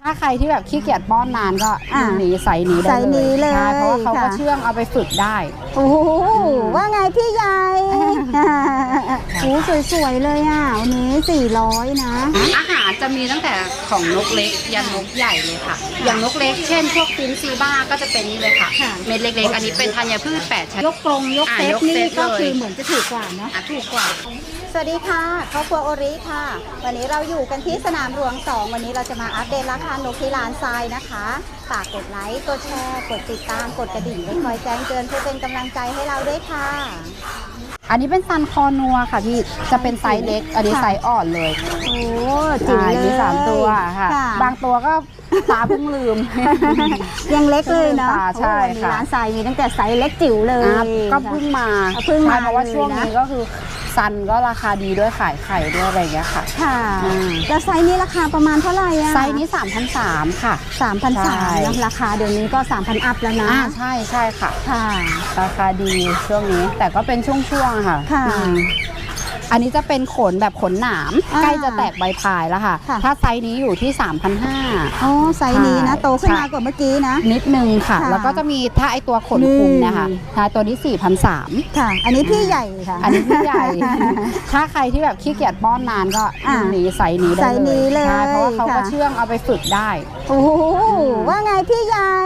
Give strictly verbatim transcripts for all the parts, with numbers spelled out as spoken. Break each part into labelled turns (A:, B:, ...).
A: ถ้าใครที่แบบขี้เกียจป้อนนานก็หนีใส่นี้ได้เลยใช่เพราะว่าเขาก็เชื่องเอาไปฝึกได้
B: โอ้ว่าไงพี่ใหญ่โอ้สวยๆเลยอ่ะวันนี้สี่ร้อยนะ
A: อาหารจะมีตั้งแต่ของนกเล็กยันนกใหญ่เลยค่ะอย่างนกเล็กเช่นพวกฟินซีบ้าก็จะเป็นนี้เลยค่ะเม็ดเล็กๆอันนี้เป็นธัญพืชแปดชนิด
B: ยกกรงยกเซตนี่ก็คือเหมือนจะถูกกว่านะ
A: ถูกกว่า
B: สวัสดีค่ะครอบครัวโอริค่ะวันนี้เราอยู่กันที่สนามหลวงสองวันนี้เราจะมาอัปเดตราคานกที่ร้านทรายนะคะฝากกดไลค์กดแชร์กดติดตามกดกระดิ่งไว้คอยแจ้งเตือนเพื่อเป็นกำลังใจให้เราด้วยค่ะ
A: อันนี้เป็นซันคอนัวค่ะพี่จะเป็นไซส์เล็กอันนี้ไซส์อ่อนเลย
B: โอ้จิ๋วเลย
A: มีสามตัวค่ะบางตัวก็ตาเพิ่งลืม
B: ยังเล็กเลยเนาะ
A: ใช่ค่ะ
B: ร้านทรายมีตั้งแต่ไซส์เล็กจิ๋วเลย
A: ก็เพิ่งมา
B: เพิ่งมา
A: เพราะว่าช่วงนี้ก็คือซันก็ราคาดีด้วยขายไข่ด้วยอะไรอย่างเงี้ยค่ะ
B: ค่ะแล้วไซส์นี้ราคาประมาณเท่าไหร่อะ
A: ไซส์นี้ สามพันสามร้อย ค่ะ
B: สามพันสามร้อย นะราคาเดี๋ยวนี้ก็ สามพัน อัพแล้วนะ
A: ใช่ใช่ค่ะ
B: ค่ะ
A: ราคาดีช่วงนี้แต่ก็เป็นช่วงๆค่ะ
B: ค่ะ
A: อันนี้จะเป็นขนแบบขนหนามใกล้จะแตกใบพายแล้วค่ะถ้าไซส์นี้อยู่ที่ สามพันห้าร้อย
B: อ๋อไซส์นี้นะโตขึ้นมากว่าเมื่อกี้นะ
A: นิดนึงค่ะแล้วก็จะมีถ้าไอตัวขนคุมเนี่ยค่ะตัวนี้ สี่พันสามร้อย
B: ค่ะอันนี้พี่ใหญ่ค่ะ
A: อันนี้พี่ใหญ่ถ้าใครที่แบบขี้เกียจป้อนนานก็หนีไซส์นี้ได้เลยใช่เพราะว่าเขาก็เชื่องเอาไปฝึกได้
B: โอ้ว่าไงพี่ใหญ่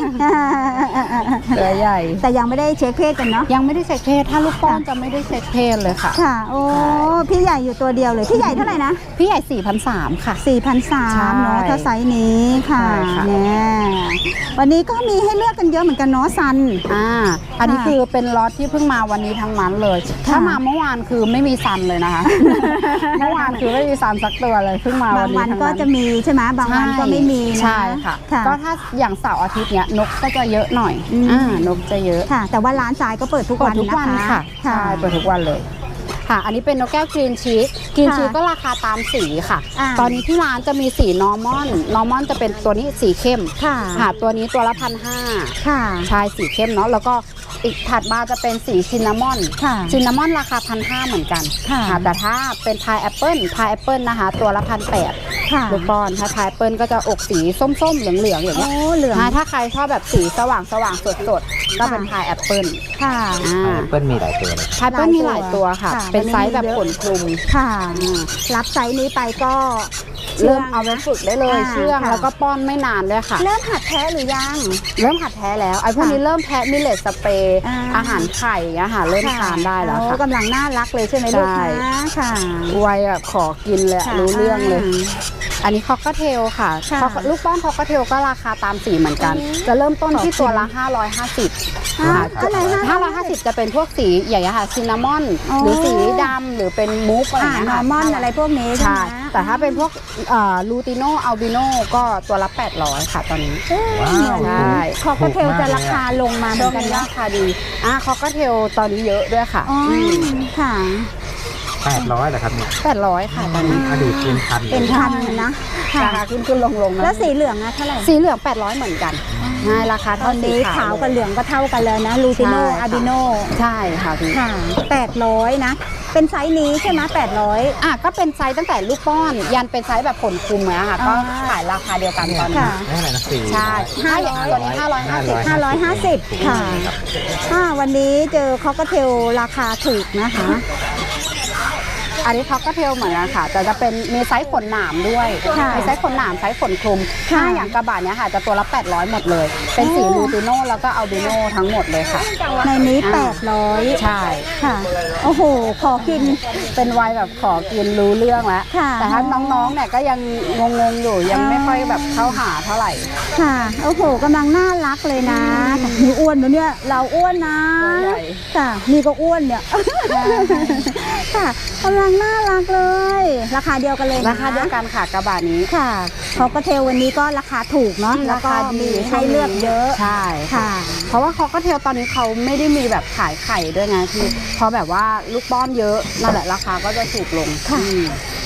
A: ตัวใหญ่
B: แต่ยังไม่ได้เช็คเพศกันเนาะ
A: ยังไม่ได้เช็คเพศถ้าลูกป้อนจะไม่ได้เช็คเพศเลยค่ะ
B: ค่ะโอ้พี่ใหญ่อยู่ตัวเดียวเลยพี่ใหญ่เท่าไหร่นะ
A: พี่ใหญ่ สี่พันสามร้อย ค่ะ
B: สี่พันสามร้อย เนาะถ้าไซส์นี้ค่ะเนี่ยวันนี้ก็มีให้เลือกกันเยอะเหมือนกันเนาะซัน
A: อ่าอันนี้คือเป็นล็อตที่เพิ่งมาวันนี้ทั้งนั้นเลยถ้ามาเมื่อวานคือไม่มีซันเลยนะคะเมื่อวานคือไม่มีซันสักตัวเลยเพิ่งมาวันนี้
B: บางวันก็จะมีใช่ไหมบางวันก็ไม่มี
A: ใช่ค่ะก็ถ้าอย่างเสาร์อาทิตย์เนี้ยนกก็จะเยอะหน่อยอ่านกจะเยอะ
B: ค่ะแต่ว่าร้านทรายก็เปิดทุกวัน
A: นะคะใช่เปิดทุกวันเลยค่ะอันนี้เป็นนกแก้วกรีนชีสกรีนชีสก็ราคาตามสีค่ะตอนนี้ที่ร้านจะมีสีนอร์มอนนอร์มอนจะเป็นตัวนี้สีเข้มค่ะตัวนี้ตัวละพันห้า
B: ค่ะ
A: ใช่สีเข้มเนาะแล้วก็อีกถัดมาจะเป็นสีซินนามอนซินนามอนราคาพันห้าเหมือนกันค่ะแต่ถ้าเป็นพายแอปเปิลพายแอปเปิลนะคะตัวละพันแปดลูกบอลถ้าพายแอปเปิลก็จะอกสีส้มๆเหลืองๆอย่างเงี้ย
B: เหลือง
A: ถ้าใครชอบแบบสีสว่างสว่างสดๆก็เป็นพายแอปเปิล
B: ค่ะ
C: พายแอปเปิลมีหลายตัวเลย
A: พายแอปเปิลมีหลายตัวค่ะเป็นไซส์แบบขนคลุม
B: ค่ะรับไซส์นี้ไปก็
A: เริ่มเอาไปฝึกได้เลยเชื่องแล้วก็ป้อนไม่นานด้วยค่ะ
B: เริ่มหัดแท้หรือยัง
A: เริ่มหัดแท้แล้วไอ้พวกนี้เริ่มแพ้มิเลตสเปรย์อาหารไข่อาหารเริ่มทานได้แล้วค่ะ
B: กำลังน่ารักเลยใช่ไหมลูกค้าค่ะ
A: วัยแบบขอกินเลยรู้เรื่องเลยอันนี้คอกเทลค่ะลูกป้อนคอกเทลก็ราคาตามสีเหมือนกันจะเริ่มต้นที่ตัวละห้าร้อยห้าสิบห้าร้อยห้าสิบจะเป็นพวกสีใหญ่ค่ะซินนามอนหรือสีดำหรือเป็นมูฟอะไร
B: นอร์มอนอะไรพวกนี้ใช่
A: แต่ถ้าเป็นพวกลูติโนอัลบิโนก็ตัวละแปดร้อยค่ะตอนนี้
B: ใช่คอกเทลจะราคาลงมาเหมือนกัน
A: ราคาดีอ่ะคอกเทลตอนนี้เยอะด้วยค่ะ
B: ค่ะ
C: แปดร้อยเหรอครับเนี่ย
A: แปดร้อยค่ะตอนนี้
C: อดีตเป็นพัน
B: เป็นพันนะ
A: ราคาขึ้นขึ้นลงลง
B: แล้วสีเหลืองอะเท่าไหร่
A: สีเหลืองแปดร้อยเหมือนกันใช่ราคาเท่า
B: นี้ขาวกับเหลืองก็เท่ากันเลยนะลูติโนอาบิโน
A: ใช่ค่ะพี่
B: ค่ะแปดร้อยนะเป็นไซส์นี้ใช่ไหมแปดร้อย
A: อ่ะก็เป็นไซส์ตั้งแต่ลูกป้อนยันเป็นไซส์แบบขนคลุมเลยค่ะก็ขายราคาเดียวกันตอนนี้ใช่ห้าร้อยตัวนี้ห้าร้อยห้าสิบ
B: ห้าร้อยห้าสิบค่ะวันนี้เจอคอกเทลราคาถูกนะคะ
A: อันนี้เขาก็เทลเหมือนกันค่ะแต่จะเป็นมีไซส์ขนหนามด้วยมีไซส์ขนหนามไซส์ขนคลุมถ้าอย่างกระบะเนี้ยค่ะจะตัวละแปดร้อยหมดเลยเป็นสีลูติโนแล้วก็อัลบิโนทั้งหมดเลยค่ะ
B: ในนี้แปดร้อย
A: ใช่
B: ค่ะโอ้โหขอกิน
A: เป็นวัยแบบขอกินรู้เรื่องแล้วแต่ถ้าน้องๆเนี่ยก็ยังงงๆอยู่ยังไม่ค่อยแบบเข้าหาเท่าไหร่
B: ค่ะโอ้โหกำลังน่ารักเลยนะมีอ้วนเนี่ยเราอ้วนนะค่ะมีก็อ้วนเนี่ยค่ะกำลังน่ารักเลยราคาเดียวกันเลย
A: ราคาเดียวกันค่ะกระบะนี้
B: ค่ะคอกเทลวันนี้ก็ราคาถูกเนาะแล้วก็มีให้เลือกเยอะ
A: ใช่ค่ะเพราะว่าคอกเทลตอนนี้เขาไม่ได้มีแบบขายไข่ด้วยไงคือเพราะแบบว่าลูกป้อนเยอะนั่นแหละราคาก็จะถูกลง
B: ค่ะ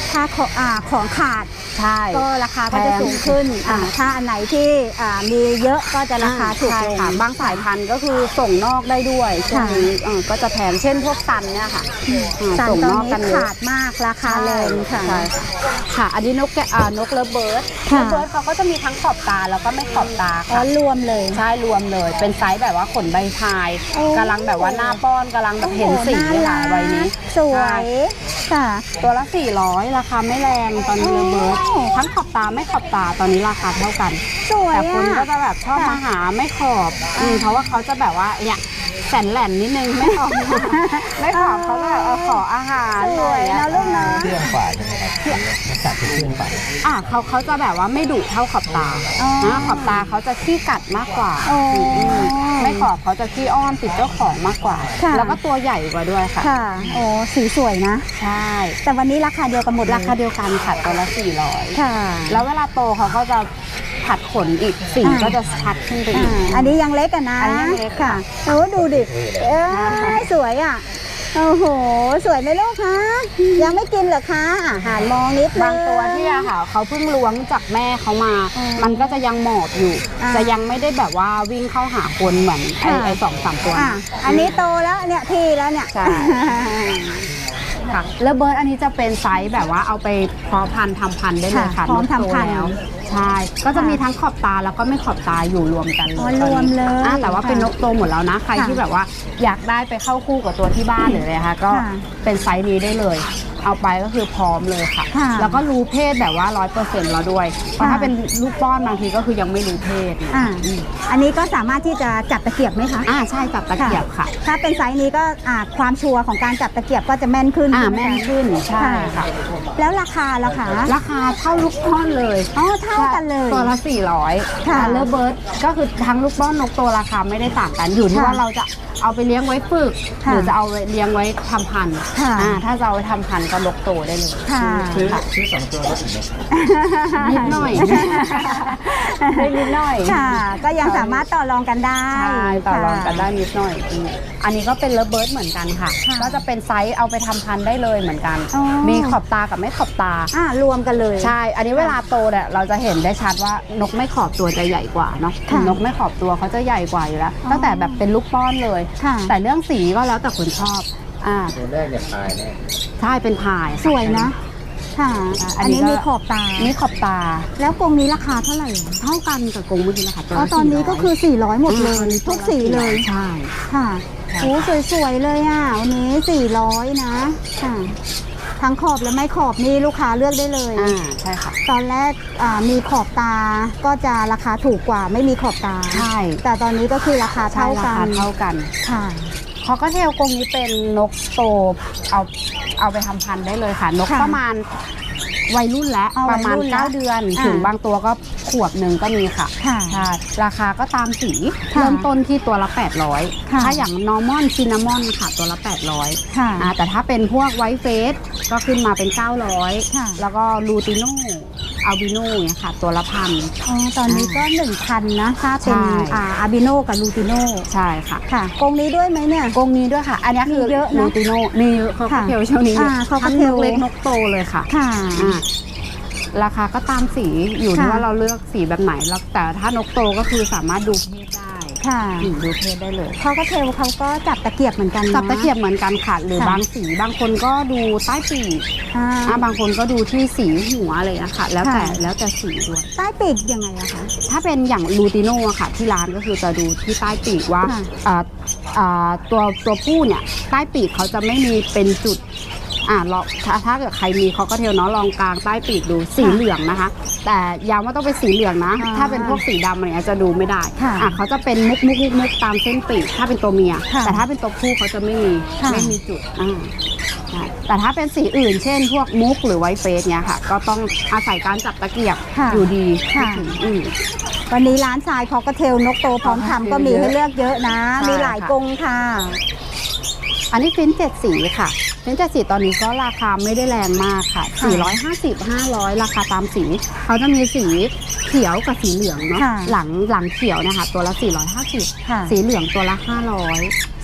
B: ถ้าของอ่าของขาด
A: ใช่
B: ก็ราคาก็จะสูงขึ้นอ่าถ้าอันไหนที่อ่ามีเยอะก็จะราคาถูก
A: ใช่
B: ลง
A: ค่ะบางสายพันธุ์ก็คือส่งนอกได้ด้วยช่วง
B: ค่ะ
A: นี้เออก็จะแพงเช่นพวกซันเนี่ยค่ะอ่า
B: สัน
A: ส่ง
B: ตอน
A: นอก
B: นี้
A: กันเย
B: ขา
A: อะ
B: ดมากราคาแรงค่ะ
A: ใช่ค่ะ อันนี้นกแกะอ่านกเลิฟเบิร์ด
B: ค่ะ
A: เลิฟเบิร์ดเขาก็จะมีทั้งขอบตาแล้วก็ไม่ขอบตา
B: อ๋อ
A: ค่ะ
B: รวมเลย
A: ใช่รวมเลยเป็นไซส์แบบว่าขนใบพาย
B: โอ้
A: กำลังแบบว่าหน้าป้อนกำลังแบบเห็นสี
B: โอ้โห
A: ค่ะ
B: น่ารัก
A: วัยนี้
B: สวยค่ะ
A: ตัวละสี่ร้อยราคาไม่แรงตอนนี้เลิฟเบิร์ด
B: โอ้
A: ทั้งขอบตาไม่ขอบตาตอนนี้ราคาเท่ากัน
B: สวย
A: แต่คนก็
B: อ่ะ
A: จะแบบชอบ
B: ค่ะ
A: มาหาไม่ขอบอืมเพราะว่าเขาจะแบบว่าเนี่ยแสนแหลนนิดนึงไม่ขอบ ไม่ขอบเขาจะแบบเอาขออาหาร
B: สวย
A: อะไรอย่าง
B: นะ
A: เงี้ย
B: ลูกนะ
C: เครื่องกว่าใช่ไหมครับลักษณะเป็นเครื่องกว่า
A: อ่ะเขาเขาจะแบบว่าไม่ดุเท่าขอบตา
B: อ๋อ
A: นะขอบตาเขาจะขี้กัดมากกว่า
B: โอ้
A: อืมไม่ขอบเขาจะขี้อ้อนติดเจ้าของมากกว่า
B: ค่ะ
A: แล้วก็ตัวใหญ่กว่าด้วยค่ะ
B: ค่ะ โอ้สีสวยนะ
A: ใช่
B: แต่วันนี้ราคาเดียวกันหมดเลย
A: ราคาเดียวกันค่ะตัวละสี่ร้อย
B: ค่ะ
A: แล้วเวลาโตเขาก็จะผัดขนอีกสี
B: อ่า
A: ก็จะชัดขึ้นไป
B: อ่า
A: อีก
B: อันนี้ยังเล็กอะนะ
A: อันนี้ยังเล็ก
B: ค่ะ
A: ค่ะ
B: โอ้ดูดิเอ้ยสวยอ่ะโอ้โหสวยไหมลูกคะยังไม่กินเหรอคะอาหารมองนิดนึง
A: บางตัวที่อะค่ะเขาเพิ่งล้วงจากแม่เขามา
B: อ๋อ
A: มันก็จะยังหมอบอยู่
B: อ่า
A: จะยังไม่ได้แบบว่าวิ่งเข้าหาคนเหมือนไอ้
B: ค่ะ
A: ไอ้สองสามตัว
B: อ่ะ
A: นะ
B: อันนี้โตแล้วเนี่ยพี่แล้วเนี่ย
A: ใช่ ค่ะแล้วเบิร์ดอันนี้จะเป็นไซส์แบบว่าเอาไปเพาะพันธุ์ทำพันธุ์ได้เลย
B: ค่ะ
A: ค่ะ
B: พร้อม
A: นกโต
B: ทำพันธุ์
A: แล้วใช่ก็จะ
B: ค่ะ
A: มีทั้งขอบตาแล้วก็ไม่ขอบตาอยู่รวมกันเลย
B: อ๋อรวมเลย
A: อ่ะแต่ว่า
B: ค่ะ
A: เป็นนกโตหมดแล้วนะ ใคร
B: ค่ะ
A: ที่แบบว่าอยากได้ไปเข้าคู่กับตัวที่บ้านหรืออะไรคะก็
B: ค่ะ
A: เป็นไซส์นี้ได้เลย เอาไปก็คือพร้อมเลยค่ะ
B: ค่ะ
A: แล้วก็รู้เพศแบบว่าร้อยเปอร์เซ็นต์แล้วด้วยเพราะถ้าเป็นลูกป้อนบางทีก็คือยังไม่รู้เพศ
B: อ่าอันนี้ก็สามารถที่จะจับตะเกียบไหมคะ
A: อ่าใช่จับตะเกียบค่ะ
B: ถ้าเป็นไซส์นี้ก็อ่าความชัวร์ของการจับตะเกียบก็จะแม่นขึ้น
A: อ่า
B: ใช่ไห
A: แม่น
B: คะ
A: ขึ้นใช่ค่ะ
B: แล้วราคาล่ะคะ
A: ราคาเท่าลูกป้อนเลย
B: อ๋อเท่ากันเลย
A: ตัวละสี่ร้อย
B: ค่ะ
A: เลเบิร์ดก็คือทั้งลูกป้อนนกโตราคาไม่ได้ต่างกันอยู่ที่
B: ค่ะ
A: ว่าเราจะเอาไปเลี้ยงไว้ฝึก
B: ค่ะ
A: หรือจะเอาไปเลี้ยงไว้ทำพันธุ์
B: ค่ะ
A: อ่าถ้าจะเอาไว้ทำพันธุ์ก็นกโตได้เลย
B: ค่ะ
C: ซื้อ
A: ค่ะ
C: ซื้อสองตัวลดอีกไหม
A: นิดหน่อย ได้นิดหน่อย
B: ค่ะ ก็ยังสามารถต่อรองกันได้
A: ใช่ต่อรองกันได้
B: ค่ะ
A: นิดหน่อยอืมอันนี้ก็เป็นเลเบิร์ดเหมือนกันค่ะ
B: ค่ะ
A: ก็จะเป็นไซส์เอาไปทำพันธุ์ได้เลยเหมือนกัน
B: อ๋อ
A: มีขอบตากับไม่ขอบตา
B: อ่ารวมกันเลย
A: ใช่ อันนี้เวลาโตเนี่ยเราจะเห็นได้ชัดว่านกไม่ขอบตัวจะใหญ่กว่าเนาะ
B: ค่ะ
A: นกไม่ขอบตัวเขาจะใหญ่กว่าอยู่แล้ว
B: อ๋อ
A: ตั้งแต่แบบเป็นลูกป้อนเลย
B: ค่ะ
A: แต่เรื่องสีก็แล้วแต่คนชอบ อ่า
C: ตัวแรกเนี่ยตายแน่
A: ใช่เป็นพาย
B: สวยนะ ค่ะ
A: อั
B: อั
A: น
B: น
A: นี้
B: นี้
A: ก็
B: มีขอบตา
A: นี่ขอบตา
B: แล้วกรงนี้ราคาเท่าไหร่
A: เท่ากันกับกรงเมื่อกี้นะคะตัว
B: อ๋อ
A: ละ
B: ตอนนี้ก็คือ สี่ร้อย หมดเลย
A: อ่า
B: ทุกสีเลย
A: ใช่
B: ค่ะโอ้สวยๆเลยอ่ะวันนี้ สี่ร้อย นะ ค่ะ ทั้งขอบและไม่ขอบนี่ลูกค้าเลือกได้เลย
A: อ่าใช่ค่ะ
B: ตอนแรกอ่ามีขอบตาก็จะราคาถูกกว่าไม่มีขอบตา
A: ใช่
B: แต่ตอนนี้ก็คือราคา
A: ใช่
B: เท่า
A: รา
B: กั
A: คาน เท่ากัน
B: ค่ะ
A: คอกเทลกรงนี้เป็นนกโตเอาเอาไปทำพันธุ์ได้เลยค่ะ นก
B: ค่ะ
A: ประมาณวัยรุ่นแล้ว
B: เอา
A: ประมาณ
B: วัยรุ่นแล้ว
A: เก้าเดือน
B: อ่า
A: ถึงบางตัวก็ขวบหนึ่งก็มีค่ะ
B: ค่ะ
A: ใช่ราคาก็ตามสี
B: ค่ะ
A: เริ่มต้นที่ตัวละ แปดร้อย
B: ค่ะ
A: ถ้าอย่างนอร์มอนซินนามอนค่ะตัวละ แปดร้อย
B: ค่ะ
A: อ่าแต่ถ้าเป็นพวกไวท์เฟสก็ขึ้นมาเป็น เก้าร้อย
B: ค่ะ
A: แล้วก็ลูติโนอัลบิโนเนี่ยค่ะ ตัวละพัน
B: อ๋อตอนนี้ก็หนึ่งพันนะถ้าเป็น
A: ใช่
B: อ่าอาบิโนกับลูติโน
A: ใช่ค่ะ
B: ค่ะกรงนี้ด้วยไหมเนี่ย
A: กรงนี้ด้วยค่ะ อันนี้คือ
B: มีเยอะนะ
A: ลูติโนมีคอกเทลช่วงนี้
B: อ่า
A: ทั้ง
B: cocktail
A: นกเล็กนกโตเลยค่ะ
B: ค่ะ
A: อ่าราคาก็ตามสีอยู่ที่
B: ค่ะ
A: ว่าเราเลือกสีแบบไหนแล้วแต่ถ้านกโตก็คือสามารถดูเพศได้
B: ค่ะ
A: อืมดูเพศได้เลย
B: เขาก็เทลเขาก็จับตะเกียบเหมือนกันน
A: จับตะเกียบเหมือนกันค่ะหรือ
B: ค่ะ
A: บางสีบางคนก็ดูใต้ปีก
B: อ่า
A: อ่าบางคนก็ดูที่สีหัวอะไรนะคะแล้วแต่
B: ค่ะ
A: แล้วแต่สีด้วย
B: ใต้ปีกยังไงอะคะ
A: ถ้าเป็นอย่างลูติโน่อะค่ะ ที่ร้านก็คือจะดูที่ใต้ปีกว่า
B: ค่ะ
A: อ่าอ่าตัวตัวผู้เนี่ยใต้ปีกเขาจะไม่มีเป็นจุดอ่าลองถ้าถ้าเกิดใครมีเขาก็เทลเนาะลองกลางใต้ปีกดูสีเหลืองนะคะ แต่ย้ำว่าต้องเป็นสีเหลืองนะ
B: อ่า
A: ถ้าเป็นพวกสีดำอะไรเงี้ยจะดูไม่ได้
B: ค่ะ
A: อ่ะเขาจะเป็นมุกมุกมุกมุกตามเส้นปีกถ้าเป็นตัวเมีย
B: ค่ะ
A: แต่ถ้าเป็นตัวผู้เขาจะไม่มี
B: ค่ะ
A: ไม่มีจุดอ่าใช่แต่ถ้าเป็นสีอื่น เช่น พวกมุกหรือไวท์เฟสเนี่ยค่ะ ก็ต้องอาศัยการจับตะเกียบ
B: ค่ะ
A: อยู่ดี
B: ค่ะ
A: ถึงอืม
B: วันนี้ร้านทรายเขาก็เทลนกโตพร้อมทำก็มีให้เลือกเยอะนะ
A: ใช่
B: มีหลาย
A: ค่ะ
B: กรงค่ะ
A: อันนี้ฟินเจ็ดสีค่ะฟินเจ็ดสีตอนนี้ก็ราคาไม่ได้แรงมากค่ะ
B: ค่ะ
A: สี่ร้อยห้าสิบ ห้าร้อย ราคาตามสี เขาจะมีสีเขียวกับสีเหลืองเนาะ
B: ค่ะ
A: หลังหลังเขียวนะคะตัวละสี่ร้อยห้าสิบ
B: ค่ะ
A: สีเหลืองตัวละห้าร้อย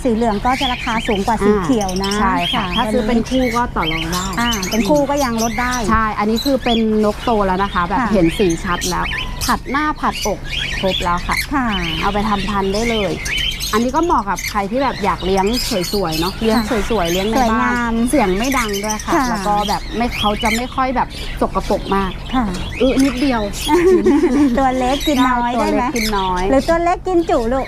B: สีเหลืองก็จะราคาสูงกว่าสีเขียวนะ
A: ใช่ค่ะถ้าซื้อเป็นคู่ก็ต่อรองได้
B: อ่าเป็นคู่ก็ยังลดได้
A: ใช่อันนี้คือเป็นนกโตแล้วนะคะแบบเห็นสีชัดแล้วผัดหน้าผัดอกครบแล้วค่ะค่ะเอาไปทำพันธุ์ได้เลยอันนี้ก็เหมาะกับใครที่แบบอยากเลี้ยงสวยๆเนาะเลี้ยงสวยๆเลี้ยงในบ้านเสียงไม่ดังด้วยค่ะแล้วก็แบบไม่เขาจะไม่ค่อยแบบสกปรกมากค่ะอือนิดเดียว
B: ตัวเล็กกินน้อยได้ไหม
A: กินน้อย
B: หรือตัวเล็กกินจุลูก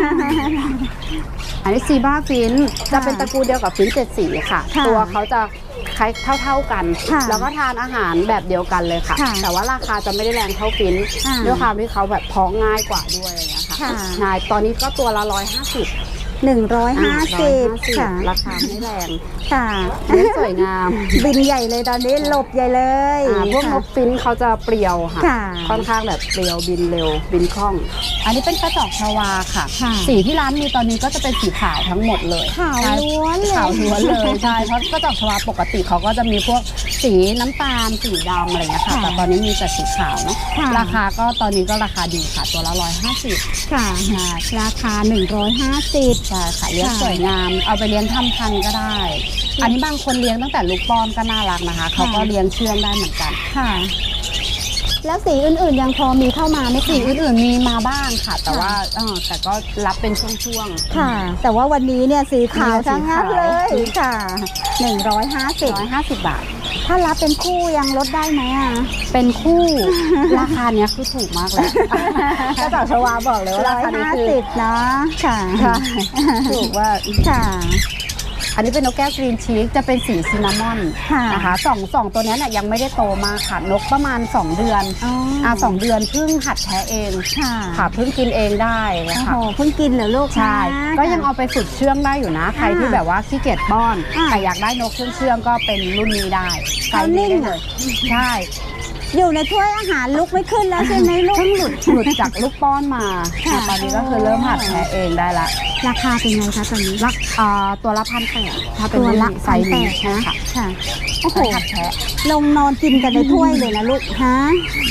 A: อันนี้ซีบ้าฟินจะเป็นตระกูลเดียวกับฟินเจ็ดสีค่ะตัวเขาจะคล้ายเท่าๆกันแล้วก็ทานอาหารแบบเดียวกันเลยค่ะแต่ว่าราคาจะไม่ได้แรงเท่าฟินด้วยความที่เขาแบบท้องง่ายกว่าด้วยอะไรอย่างเงี้ยค่ะนายตอนนี้ก็ตัวละร้อยห้าสิบ
B: หนึ่งร้อยห้าสิบค่ะ
A: ราคาไม่แรง
B: ค่ะ
A: สวยงาม
B: บินใหญ่เลยตอนนี้หลบใหญ่เลย
A: พวกนกฟินเขาจะเปรียวค่ะค่อนข้างแบบเปรียวบินเร็วบินคล่องอันนี้เป็นกระจอกชวาค่ะสีที่ร้านมีตอนนี้ก็จะเป็นสีขาวทั้งหมดเลย
B: ขาวล้วนเลย
A: ขาวล้วนเลยใช่เพราะกระจอกชวาปกติเขาก็จะมีพวกสีน้ำตาลสีดำอะไรเงี้ยค่ะแต่ตอนนี้มีแต่สีขาวเนาะราคาก็ตอนนี้ก็ราคาดีค่ะตัวละร้อยห้าสิบ
B: ค่ะราคาหนึ่งร้อยห้าสิบ
A: ใช่ค่ะเลี้ยงสวยงามเอาไปเลี้ยงทำพันธุ์ก็ได้อันนี้บางคนเลี้ยงตั้งแต่ลูกป้อนก็น่ารักนะคะเขาก็เลี้ยงเชื่องได้เหมือนกัน
B: ค่ะแล้วสีอื่นๆยังพอมีเข้ามาไหม
A: สีอื่นๆมีมาบ้างค่ะแต่ว่าเออแต่ก็รับเป็นช่วง
B: ๆค่ะแต่ว่าวันนี้เนี่ยสีขาวทั้งนั้นเลยค่ะหนึ่งร้อยห้าสิบ
A: ร้อยห้าสิบบาท
B: ถ้ารับเป็นคู่ยังลดได้ไหมอ่ะ
A: เป็นคู่ราคาเนี้ยคือถูกมากเลยก็จากชวาบอกเลยว่าราคานี้คือ
B: เนาะค่ะ
A: ถูกว่า
B: ค่ะ
A: อันนี้เป็นนกแก้วกรีนชีกจะเป็นสีซินนามอนนะคะสองสองตัวนี้เนี่ยยังไม่ได้โตมาค่ะนกประมาณสองเดือนอ่าสองเดือนเพิ่งหัดแท้เองค่ะเพิ่งกินเองได้นะคะ
B: โอ้เพิ่งกินเหรอลูก
A: ใช่ก็ยังเอาไปฝึกเชื่องได้อยู่นะใครที่แบบว่าขี้เกียจป้อนใครอยากได้นกเชื่องเชื่องก็เป็นรุ่นนี้ได้
B: ใส่นิ่ง
A: เลยใช่
B: อยู่ในถ้วยอาหารลุกไม่ขึ้นแล้วใช่ไหมลูก
A: เพิ่งหลุดหลุดจากลูกป้อนมาตอนนี้ก็คือเริ่มหัดแท้เองได้ละ
B: ราคาเป็นไงคะตอนนี้
A: รักตัวละพันแปดถ้าเป็น
B: ตัวละ
A: ไซส์นี้
B: นะค่ะโอ้โห
A: หัดแท้
B: ลงนอนกินกันในถ้วยเลยนะลูกฮะ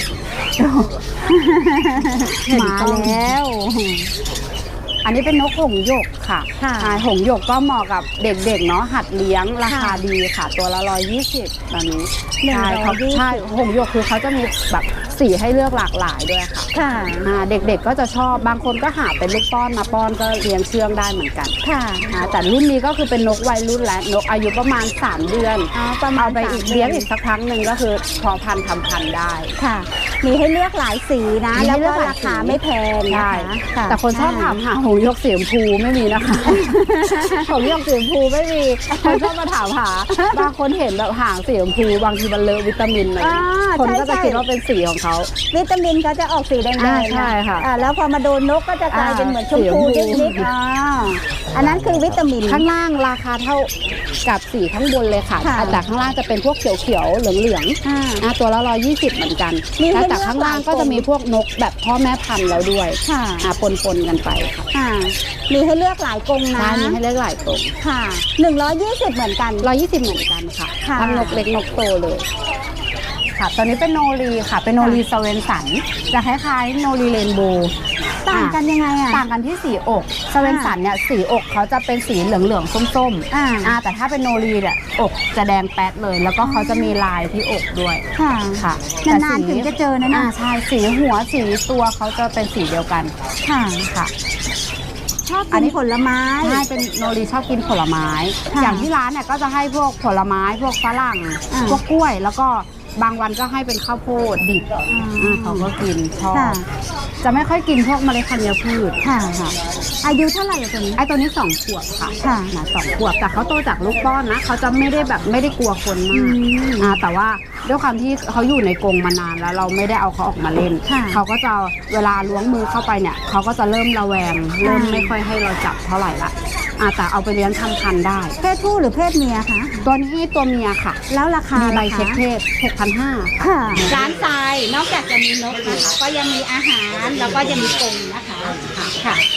B: มาแล้ว
A: อันนี้เป็นนกหงส์หยกค่ะหงส์หยกก็เหมาะกับเด็กๆเนาะหัดเลี้ยงราคาดีค่ะตัวละร้อยยี่สิบตอนนี้ใช่เขาใช่หงส์หยกคือเขาจะมีแบบสีให้เลือกหลากหลายด้วยค่ะ
B: ค่ะ
A: เด็กๆก็จะชอบบางคนก็หาเป็นลูกป้อนมาป้อนก็เลี้ยงเชื่องได้เหมือนกัน
B: ค่ะ
A: แต่รุ่นนี้ก็คือเป็นนกวัยรุ่นและนกอายุประมาณสามเดือนเอาไปอีกเลี้ยงอีกสักครั้งหนึ่งก็คือพอพันธุ์ทำพันธุ์ได้
B: ค่ะมีให้เลือกหลายสีนะแล้วก็ราคาไม่แพงนะคะ
A: แต่คนชอบถามหาหงส์หยกสีชมพูไม่มีนะคะหงส์หยกสีชมพูไม่มีคนชอบมาถามหาบางคนเห็นแบบหางสีชมพูบางทีมันเลอะวิตามินเลยคนก็จะคิดว่าเป็นสีของเขา
B: วิตามินเขาจะออกสีแดงๆ
A: ใช่ค่ะ
B: แล้วพอมาโดนนกก็จะกลายเป็นเหมือนชมพูนิดๆอันนั้นคือวิตามิน
A: ข้างล่างราคาเท่ากับสีข้างบนเลยค่ะแต่ข้างล่างจะเป็นพวกเขียวๆเหลืองๆตัวละร้อยยี่สิบเหมือนกันแล้วแต่ข้างล่างก็จะมีพวกนกแบบพ่อแม่พันธุ์แล้วด้วยปนๆกันไป
B: ค่ะมีให้เลือกหลายกรงนะ
A: มีให้เลือกหลายกรง
B: ค่ะหนึ่งร้อยยี่สิบเหมือนกัน
A: ร้อยยี่สิบเหมือนกันค่ะทั้งนกเล็กนกโตเลยค่ะตอนนี้เป็นโนรีค่ะเป็นโนรีสเวนสันจะคล้ายๆโนรีเรนโบว์
B: ต่างกันยังไงอ่ะ
A: ต่างกันที่สีอกสเวนสันเนี่ยสีอกเขาจะเป็นสีเหลืองๆส้มๆอ่าแต่ถ้าเป็นโนรีเนี่ยอกจะแดงแป๊ดเลยแล้วก็เขาจะมีลายที่อกด้วย
B: ค่ะ
A: ค่ะ
B: นานๆถึงจะเจอนะ
A: อ่าใช่สีหัวสีตัวเขาจะเป็นสีเดียวกัน
B: ค่ะ
A: ค่ะ
B: ชอบกินผลไม้
A: ใช่เป็นโนรีชอบกินผลไม้อย่างที่ร้านเนี่ยก็จะให้พวกผลไม้พวกฝรั่งพวกกล้วยแล้วก็บางวันก็ให้เป็นข้าวโพดดิบเขาก็กินชอบจะไม่ค่อยกินพวกเมล็ดธัญพืช
B: ค่ะอายุเท่าไหร่ตัวนี้
A: ไอ้ตัวนี้สองขวบค่ะค่ะสองขวบแต่เขาโตจากลูกป้อนนะเขาจะไม่ได้แบบไม่ได้กลัวคนมากอ่าแต่ว่าด้วยความที่เขาอยู่ในกรงมานานแล้วเราไม่ได้เอาเขาออกมาเล่นเขาก็จะเวลาล้วงมือเข้าไปเนี่ยเขาก็จะเริ่มระแวงเริ่มไม่ค่อยให้เราจับเท่าไหร่ละอ่าแต่เอาไปเลี้ยงทำพันธุ์ได้
B: เพศผู้หรือเพศเมียคะ
A: ตัวนี้ตัวเมียค่ะ
B: แล้วราคา
A: ใบเช็คเพศ หกพันห้าร้อย
B: ค่ะร้านทรายนอกจากจะมีนกนะคะก็ยังมีอาหารแล้วก็ยังมีกรงนะคะค่ะ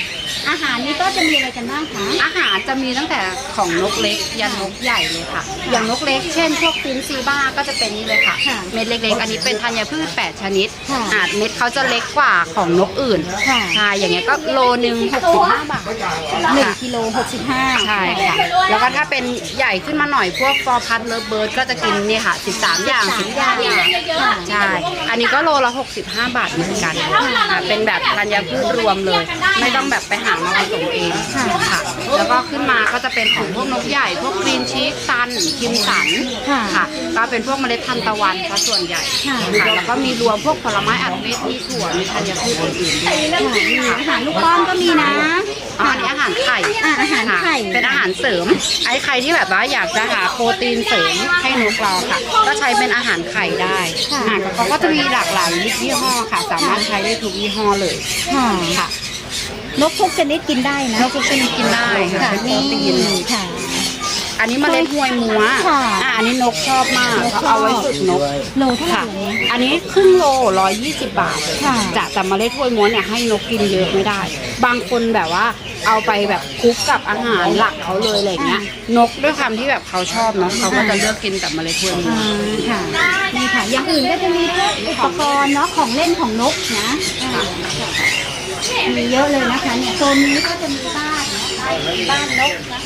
B: อาหารนี้ก็จะมีอะไรกันบ้างคะ
A: อาหารจะมีตั้งแต่ของนกเล็กยันนกใหญ่เลยค่ะ อย่างนกเล็กเช่นพวกฟินซีบ้าก็จะเป็นนี่เลยค่ะ
B: ค่ะ
A: เม็ดเล็กๆ อันนี้เป็นธัญพืชแปดชนิด
B: ค่ะ
A: อาจเม็ดเขาจะเล็กกว่าของนกอื่น
B: ค่ะ
A: ใช่อย่างเงี้ยก็โลนึงหกสิบห้าบาท
B: หนึ่ง
A: ค่ะ
B: กิโลหกสิบห้า
A: ใช่ค่ะ แล้วก็ถ้าเป็นใหญ่ขึ้นมาหน่อยพวกฟอร์พัดเลิฟเบิร์ดก็จะกินนี่ค่ะสิบสามอย่างสิบอย่างใช่ อันนี้ก็โลละหกสิบห้าบาทเหมือนกันค่ะเป็นแบบธัญพืชรวมเลย ไม่ต้องแบบไปหามาผสมเองค่ะ แล้วก็ขึ้นมาก็จะเป็นของพวกนกใหญ่ พวกกรีนชีสซันคิมสัน
B: ค่ะ
A: ค่ะ ก็เป็นพวกเมล็ดทานตะวันซะส่วนใหญ่
B: ค่ะ
A: ค่ะ แล้วก็มีรวมพวกผลไม้อัดเม็ด มีถั่ว มีธัญพืชอื่นๆด้วย
B: อาหารลูกป้อมก็มีนะ
A: อ๋ออันนี้อาหารไข่
B: อ่ะอาหารไข่
A: ค่ะเป็นอาหารเสริม ไอ้ใครที่แบบว่าอยากจะหาโปรตีนเสริมให้นกเราค่ะ ก็ใช้เป็นอาหารไข่ได้
B: ค่ะ
A: อ่ะเขาก็จะมีหลากหลายยี่ห้อค่ะ สามารถใช้ได้ทุกยี่ห้อเลย
B: ค่ะ
A: ค่ะ
B: นกทุกชนิดกินได้นะ
A: นกทุกชนิดกินได้ค่ะ
B: ค่ะ
A: ใช้โปรตีน
B: ค่ะ
A: อันนี้เมล็ดหวยมัว
B: ค่ะ
A: อ่ะอันนี้นกชอบมาก
B: นกชอบ
A: เขาเอาไว้ฝึกนก
B: โลเท่าไหร่
A: ค่ะ
B: เนี่ย
A: อันนี้ครึ่งโลร้อยยี่สิบบาท
B: ค่ะ
A: จะแต่เมล็ดถ้วยม้วนเนี่ยให้นกกินเยอะไม่ได้ บางคนแบบว่าเอาไปแบบคลุกกับอาหารหลักเขาเลยอะไรเงี้ย นกด้วยความที่แบบเขาชอบเนาะเขาก็จะเลือกกินแต่เมล็ดถ้วยม้ว
B: อ่าน ค่ะนี่ค่ะ อย่างอื่นก็จะมีพวกอุปกรณ์เนาะของเล่นของนกนะอ่ามีเยอะเลยนะคะเนี่ยโซนนี้ก็จะมีบ้านนะคะบ้านนกนะคะ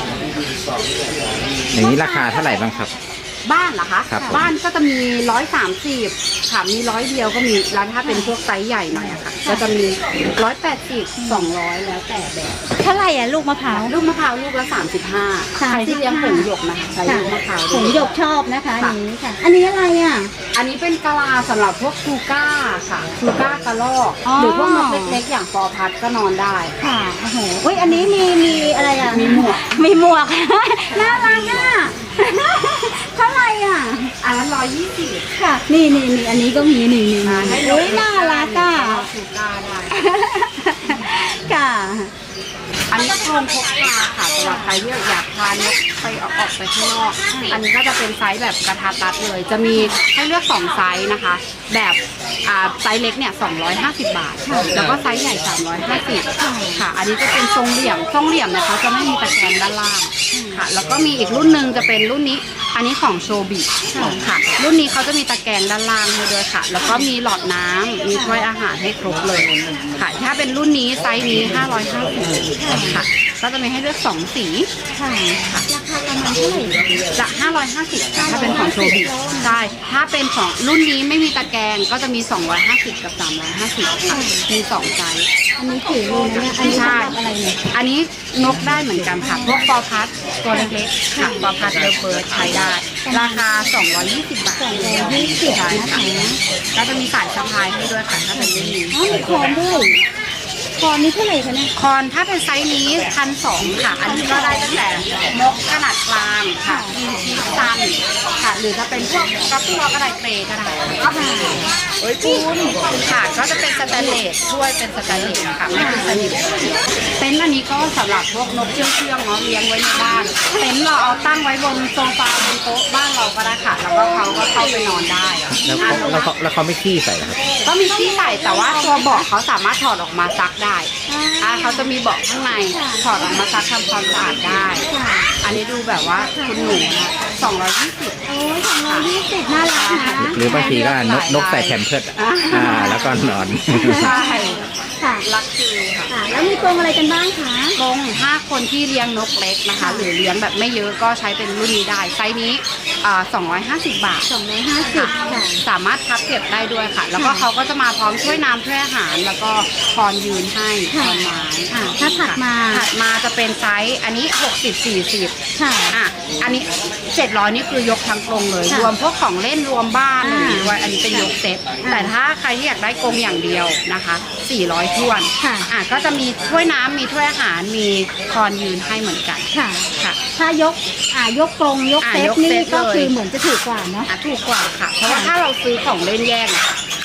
C: อย่างนี้ราคาเท่าไหร่บ้างครับ
A: บ้านเหรอคะ
C: ครับผม
A: บ้านก็จะมีร้อยสามสิบค่ะมีร้อยเดียวก็มีแล้วถ้าเป็นพวกไซส์ใหญ่หน่อยอะค่ะก็จะมีร้อยแปดสิบสองร้อยแล้วแต่แบบ
B: เท่าไหร่อ่ะลูกมะพร้าว
A: ลูกมะพร้าวลูกละสามสิบห้าใครที่เลี้ยงผงหยกนะคะใช้ลูกมะพร้าว
B: ผ
A: ด้วย
B: งหยกชอบนะคะอัน
A: ค่ะ
B: นี้ค่ะ อันนี้อะไรอ่ะ
A: อันนี้เป็นกะลาสำหรับพวกชูก้าค่ะชูก้ากระรอก
B: อ๋อ
A: หรือพวกนกเล็กๆอย่างฟอร์พัดก็นอนได้
B: ค่ะโอ้โหอุ้ยอันนี้มีมีอะไรอ่ะ
A: มีหมวก
B: มีหมวก น่ารักอ่ะ เท่าไหร่อ่ะ
A: อันนั้นร้อยยี่สิบ
B: ค่ะ นี่นี่นี่อันนี้ก็มีนี่นี่
A: มาให้นก
B: อุ้ยน่ารักอ่ะ
A: ชูก้าได้
B: ค่ะ
A: อันนี้โครงพกพาค่ะสำหรับใครที่อยากพานกไปออกออกไปข้างนอก อันนี้ก็จะเป็นไซส์แบบกระทัดรัดเลย จะมีให้เลือกสองไซส์นะคะ แบบอ่าไซส์เล็กเนี่ยสองร้อยห้าสิบบาท แล้วก็ไซส์ใหญ่สามร้อยห้าสิบค่ะ อันนี้จะเป็นทรงเหลี่ยม ทรงเหลี่ยมเนี่ยเขาจะไม่มีตะแกรงด้านล่างค่ะ แล้วก็มีอีกรุ่นหนึ่งจะเป็นรุ่นนี้ อันนี้ของโชบิค่ะ รุ่นนี้เขาจะมีตะแกรงด้านล่างให้ด้วยค่ะ แล้วก็มีหลอดน้ำมีถ้วยอาหารให้ครบเลยค่ะ ถ้าเป็นรุ่นนี้ไซส์นี้ห้าร้อยห้าสิบค่ะ ก็จะมีให้เลือกสองสี
B: ค่ะ ราคาประมาณเท่าไหร่
A: จะห้าร้อยห้าสิบถ้าเป็นของโชบิใช่ถ้าเป็นของรุ่นนี้ไม่มีตะแกรงก็จะมีสองร้อยห้าสิบกับสามร้อยห้าสิบค่ะมีสองไซส์
B: อันนี้ถือเลยนะเนี่ย อันนี้
A: ใช่
B: สำหรับอะไรเนี่ย
A: อันนี้นกได้เหมือนกันค่ะ พวกฟอร์พัดตัวเล็กๆค่ะฟอร์พัดเดอเบิร์ดใช้ได้ ราคา สองร้อยยี่สิบบาท
B: สองร้อยยี่สิบ
A: ใช่
B: นะคะ
A: ค่ะก็จะมีสายสะพายให้ด้วยค่ะถ้าเป็นรุ่นนี้
B: อ๋อมีคอนด้วยคอนนี้เท่าไหร่คะเนี่ย
A: คอนถ้าเป็นไซส์นี้พันสองค่ะ อันนี้ก็ได้ตั้งแต่นกขนาดกลางค่ะกินชีสซันค่ะ หรือจะเป็นพวกกระตัวก็ได้เปรย์ก็ได้ค่ะเอ้ยปูนค่ะก็จะเป็นสแตนเลสช่วยเป็นสแตนเลสค่ะไม่เป็นสนิมเต็นท์อันนี้ก็สำหรับพวกนกเชื่องเชื่องๆเนาะเลี้ยงไว้ในบ้านเต็นท์เราเอาตั้งไว้บนโซฟาบนโต๊ะบ้านเราก็ได้ค่ะ แล้วก็เขาก็เข้าไปนอนได้
C: แล้วเขาแล้วเขาแล้วเขาไม่ขี้ใส่เหรอครับ
A: ก็มีที่ใส่แต่ว่าตัวเบาะเขาสามารถถอดออกมาซักได้อ่าเขาจะมีเบาะข้างในถอดออกมาซักทำความสะอาดได้ อันนี้ดูแบบว่าคุณหนูนะสองร้อยยี่สิบ
B: โอ้ยสองร้อยยี่สิบน่ารักนะ
C: หรือบางทีก็นกนกใส่แผ่นเพิร์ดอ่ะอ่าแล้วก็นอน
A: ใช่
B: ค่ะ
A: รักคือค่ะ
B: ค่ะ แล้วมีกรงอะไรกันบ้างคะ
A: กรงถ้าคนที่เลี้ยงนกเล็กนะคะ หรือเลี้ยงแบบไม่เยอะก็ใช้เป็นรุ่นนี้ได้ ไซส์นี้อ่าสองร้อยห้าสิบบาท
B: สองร้อยห้าสิบค่ะ
A: สามารถพับเก็บได้ด้วยค่ะ แล้วก็เขาก็จะมาพร้อมถ้วยน้ำถ้วยอาหาร แล้วก็คอนยืนให้ค
B: ค่ะ
A: อนไม้
B: อ่าถ้าถัดมา
A: ถัดมาจะเป็นไซส์อันนี้หกสิบ สี่สิบ
B: ค่ะ
A: อ่ะอันนี้เจ็ดร้อยนี่คือยกทั้งกรงเลย
B: ค่ะ
A: รวมพวกของเล่นรวมบ้าน
B: อ่า
A: อะไรด้วยอันนี้เป็นยกเซ็ต
B: อ่า
A: แต่ถ้าใครที่อยากได้กรงอย่างเดียวนะคะสี่ร้อยถ้วน
B: ค่ะ
A: อ่ะก็จะมีถ้วยน้ำมีถ้วยอาหารมีคอนยืนให้เหมือนกัน
B: ค่ะ
A: ค่ะ
B: ถ้ายก อ่ายกกรงยก
A: อ่า
B: เซต
A: ยก
B: นี่
A: เซต
B: ก็
A: เลย
B: คือเหมือนจะถูกกว่าเนาะ
A: อ่ะถูกกว่าค่ะ เพราะว่าถ้าเราซื้อของเล่นแยกเนี่ยเขา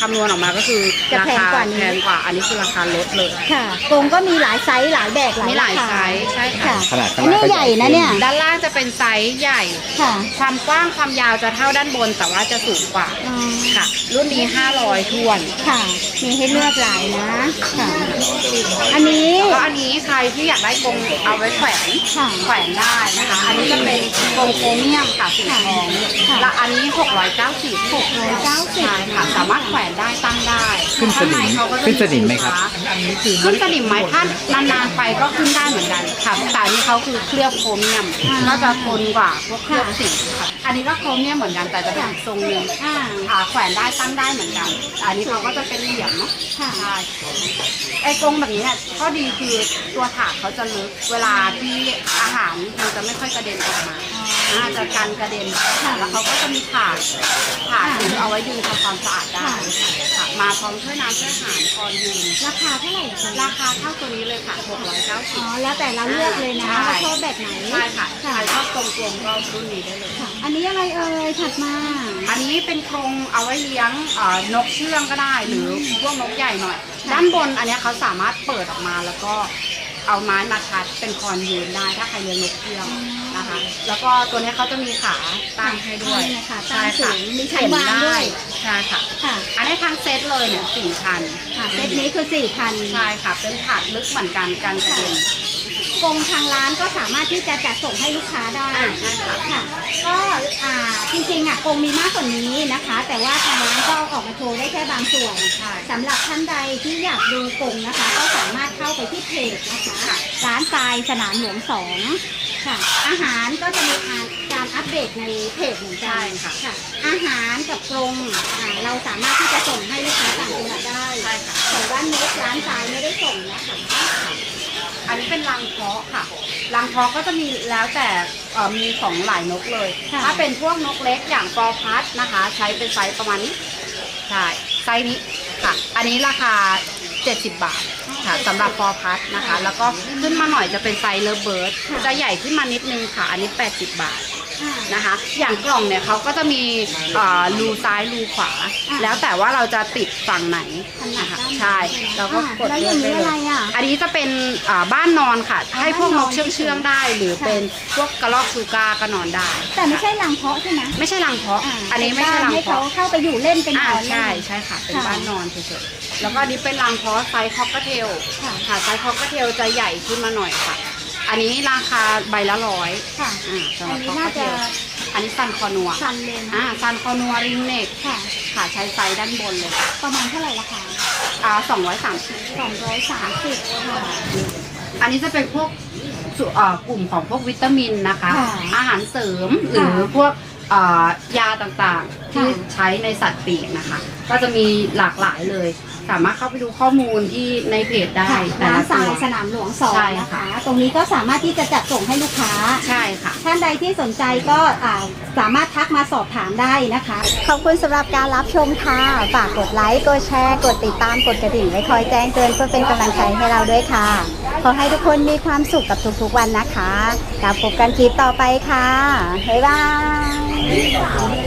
A: ำนวณออกมาก็คือ
B: จะ
A: รา
B: แพง
A: คาก
B: ว่านี้
A: แพงกว่า อันนี้คือราคาลดเลย
B: ค่ะกรงก็มีหลายไซส์หลายแบบหลาย
A: มีหลาย
B: ราคา
A: ไซส์ใช่ค่ะ
C: ขนาดข้า
B: อั
C: ง
B: น
C: ล่าง
B: นี้
C: ก็
B: ใหญ่นะเนี่ย
A: ด้านล่างจะเป็นไซส์ใหญ่
B: ค่ะ
A: ความกว้างความยาวจะเท่าด้านบน แต่ว่าจะสูงกว่า
B: อ๋อ
A: ค่ะ รุ่นนี้ห้าร้อยทวน
B: ค่ะ มีให้เลือกหลายนะค่ะ อันนี้
A: แล้วก็อันนี้ใครที่อยากได้กรงเอาไว้แขวน
B: ค่ะ
A: แขวนได้นะคะ อันนี้จะเป็นกรงโครเมียมค่ะสีทอง
B: ค่ะ
A: และอันนี้หกร้อยเก้าสิบ
B: หกร้อยเก้าสิบ
A: ใช่ค่ะ สามารถแขวนได้ตั้งได้
C: ขึ้นสนิม
A: ข้างใเขาก็จะ
C: ขึ้นสนิมไหมครับ
A: ขึ้นสนิมไหมถ้านานๆไปก็ขึ้นได้เหมือนกันค่ะแต่อันนี้เขาคือเคลือบโครเมียมก็จะทนกว่าพวกเคลือบสีค่ะอันนี้ก็โครเมียมเหมือนกันแต่จะเป็นอีกทรงหนึง
B: อ่า
A: อ่าแขวนได้ตั้งได้เหมือนกัน อันนี้เขาก็จะเป็นเหลี่ยมเนาะ
B: ค่ะ
A: ใช่ไอ้กรงแบบนี้เนี่ยข้อดีคือตัวถาดเขาจะลึกเวลาที่อาหารมันจะไม่ค่อยกระเด็นออกมาอ่าจะกันกระเด็นค่ะแล้วเขาก็จะมีถาดถาดที่เอาไว้ดึงทำความสะอาดได้ค่ะมาพร้อมถ้วยน้ำถ้วยอาหารคอนยืน
B: ราคาเท่าไหร่คะ
A: ราคาเท่าตัวนี้เลยค่ะหกร้อยเก้าสิ
B: อ๋
A: บ
B: อ แล้วแต่เราเลือกเลยนะ
A: ใช่
B: ว่าชอบแบบไหน
A: ใช่ค่ะใค
B: ค่ะ
A: รชอบกลมๆก็รุ่นนี้ได้เลย
B: ค่ะ อันนี้อะไรเอ่ย ถัดมา
A: อันนี้เป็นกรงเอาไว้เลี้ยงเอ่อนกเชื่องก็ได้ หรือพวกนกใหญ่หน่อย ด้านบนอันเนี้ยเขาสามารถเปิดออกมาแล้วก็เอาไม้มาทัดเป็นคอนยืนได้ถ้าใครเลี้ยงนกเชื่องนะคะ แล้วก็ตัวเนี้ยเขาจะมีขาตั้งให้ด้วย
B: นี่นะคะ
A: ใช่
B: ตั้งสู
A: ค่ะ
B: งมีชั้นวางด้วย
A: ใช่ค่ะ
B: ค่ะ
A: อันนี้ทั้งเซตเลยเนี่ยสี่พัน
B: ค่ะเซตนี้คือสี่พัน
A: ใช่ค่ะ เป็นถาดลึกเหมือนกันกันกระเด็น
B: กรงทางร้านก็สามารถที่จะจัดส่งให้ลูกค้าได้
A: อ่าใช่ค่ะ
B: ค่ะ ก็อ่าจริงๆอ่ะกรงมีมากกว่านี้นะคะ แต่ว่าทางร้านก็เอาออกมาโชว์ได้แค่บางส่วน
A: ใช่
B: สำหรับท่านใดที่อยากดูกรงนะคะ ก็สามารถเข้าไปที่เพจนะคะ
A: ค่ะ
B: ร้านทรายสนามหลวงสองค่ะ อาหารก็จะมีการอัปเดตในเพจเหมือนกั
A: ใช่
B: น
A: ค่ะ
B: ค่ะ อาหารกับกรงอ่าเราสามารถที่จะส่งให้ลูกค้าต่างจังหวัดได้
A: ใช่ค่ะ
B: แต่ว่านกร้านทรายไม่ได้ส่งนะคะ
A: อันนี้เป็นรังเพาะค่ะ รังเพาะก็จะมีแล้วแต่เอ่อมีของหลายนกเลย
B: ค่ะ
A: ถ้าเป็นพวกนกเล็กอย่างปอพัดนะคะ ใช้เป็นไซส์ประมาณนี้ ใช่ ไซส์นี้ค่ะ อันนี้ราคาเจ็ดสิบบาทค่ะสำหรับปอพัดนะคะ แล้วก็ขึ้นมาหน่อยจะเป็นไซส์เลเบิร์ดจะใหญ่ขึ้นมานิดนึงค่ะ อันนี้แปดสิบบาท
B: อ่า
A: นะคะ อย่างกล่องเนี่ยเขาก็จะมีเอ่อรูซ้ายรูขวา แล้วแต่ว่าเราจะติดฝั่งไหนนะคะใช่เราก็กด
B: แล้วอ
A: เลือย่าง กได้
B: นี้
A: เล
B: อะไร
A: ย
B: อ่ะ
A: อันนี้จะเป็นอ่าบ้านนอนค่ะ
B: อ่า
A: ให้พวกนก
B: บ้านนอน
A: เชื่องเชื่องๆได้ หรือ
B: ค่ะ
A: เป็นพวกกระรอกชูกาก็นอนได้
B: แต่ไม่ใช่รังเพาะใช่ไหม
A: ไม่ใช่รังเพาะ
B: อ่า
A: อันนี้ไม่ใช่รัง
B: ให้เขา
A: เพาะ
B: เข้าไปอยู่เล่นเป็นน
A: อ่า
B: อนเล่น
A: ใช่ใช่ค่ะ เป็น
B: ค่ะ
A: บ้านนอนเฉยๆแล้วก็อันนี้เป็นรังเพาะไซส์คอกเทล
B: ค่ะ
A: ค่ะไซส์คอกเทลจะใหญ่ขึ้นมาหน่อยค่ะ อันนี้ราคาใบละร้อย
B: ค่ะ
A: อ่าสำห
B: อั
A: รั
B: น
A: บ
B: นี้
A: คอก
B: น่า
A: เท
B: จะ
A: ลอันนี้ซันคอนัว
B: ชันเลยนะ
A: อ่าซันคอนัวริงเน็ก
B: ค่ะ
A: ค่ะใช้ไซส์ด้านบนเลย
B: ประมาณเท่าไหร่ราคา
A: อ่าสองร้อยสามสิบ
B: สองร้อยสามสิบค่ะ
A: อันนี้จะเป็นพวกสุเอ่อกลุ่มของพวกวิตามินนะคะ
B: ค่ะ
A: อาหารเสริมหรือพวกเอ่อยาต่างๆ ที่
B: ค่ะ
A: ใช้ในสัตว์ปีกนะคะ ก็จะมีหลากหลายเลย สามารถเข้าไปดูข้อมูลที่ในเพจได้
B: ค่ะ
A: แต่
B: ร้าน
A: ละ
B: ทรา
A: ตั
B: ยว สนามหลวงสอง
A: ใช่
B: นะ
A: ค่ะ
B: คะ ตรงนี้ก็สามารถที่จะจัดส่งให้ลูกค้า
A: ใช่ค่ะ
B: ท่านใดที่สนใจก็อ่าสามารถทักมาสอบถามได้นะคะ ขอบคุณสำหรับการรับชมค่ะ ฝากกดไลค์ กดแชร์ กดติดตาม กดกระดิ่งไว้คอยแจ้งเตือนเพื่อเป็นกำลังใจให้เราด้วยค่ะ ขอให้ทุกคนมีความสุขกับทุกๆวันนะคะแล้วพบกันคลิปต่อไปค่ะ บ๊ายบาย